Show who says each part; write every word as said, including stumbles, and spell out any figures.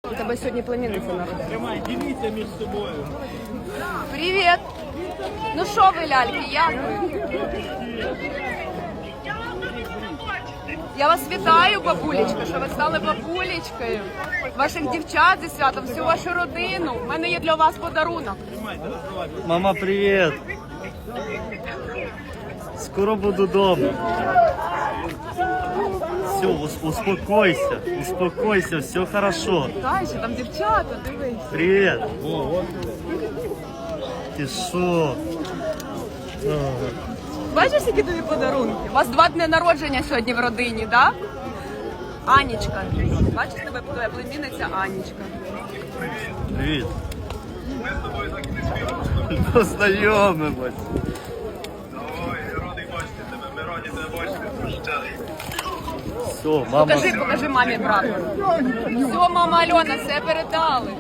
Speaker 1: У тебе сьогодні племінниця народилася.
Speaker 2: Тримай, діліться між собою.
Speaker 1: Привіт! Ну що ви, ляльки, як ви? Я вас вітаю, бабулечка, що ви стали бабулечкою. Ваших дівчат зі святом, всю вашу родину. У мене є для вас подарунок.
Speaker 3: Мама, привет! Скоро буду дома. Все, успокойся, успокойся, все хорошо.
Speaker 1: Дай, що там дівчата, дивись.
Speaker 3: Привет! Ти що?
Speaker 1: Бачиш, які тобі подарунки? У вас два дні народження сьогодні в родині, так? Да? Анічка. Бачиш, тебе твоя племінниця Анічка.
Speaker 3: Привіт. Познайомимось.
Speaker 2: Ой, радий бачити тебе, ми раді тебе бачити.
Speaker 3: Все, мама.
Speaker 1: Покажи, покажи мамі прапор. Все, мама Альона, все передали.